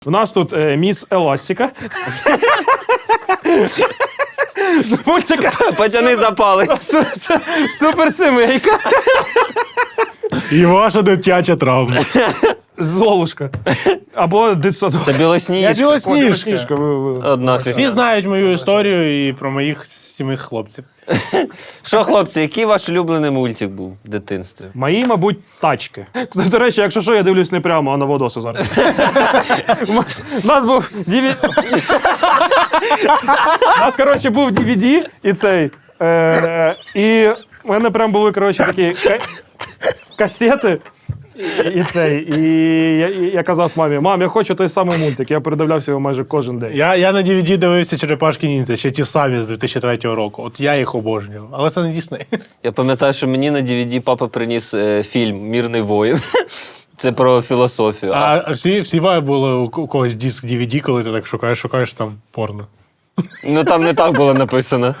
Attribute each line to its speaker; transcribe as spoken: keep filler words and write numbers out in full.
Speaker 1: У нас тут е, міс Еластика. З мультика
Speaker 2: Потяни за палець.
Speaker 1: Суперсемейка.
Speaker 3: І ваша дитяча травма.
Speaker 1: Золушка. Або дитсадок.
Speaker 2: Це
Speaker 3: Я
Speaker 2: білосніжка.
Speaker 3: білосніжка.
Speaker 1: ви- ви-
Speaker 2: Одна
Speaker 3: Всі
Speaker 2: фігня.
Speaker 3: знають мою історію і про моїх сімих хлопців.
Speaker 2: Що, хлопці, який ваш улюблений мультик був в дитинстві?
Speaker 1: Мої, мабуть, тачки. До речі, якщо що, я дивлюсь не прямо, а на Водосу зараз. У нас був ді ві ді. У нас, коротше, був ді ві ді і цей. Е, і в мене прям були, коротше, такі ка- касети. І, і цей. І я, і я казав мамі: мам, я хочу той самий мультик. Я передивлявся його майже кожен день.
Speaker 3: Я, я на ді ві ді дивився «Черепашки ніндзя», ще ті самі з дві тисячі третього року. От я їх обожнював. Але це не Дісней.
Speaker 2: Я пам'ятаю, що мені на ді ві ді папа приніс е, фільм «Мірний воїн». Це про філософію. А,
Speaker 3: А всі, всі були у у когось диск ді ві ді, коли ти так шукаєш, шукаєш там порно.
Speaker 2: ну там не так було написано.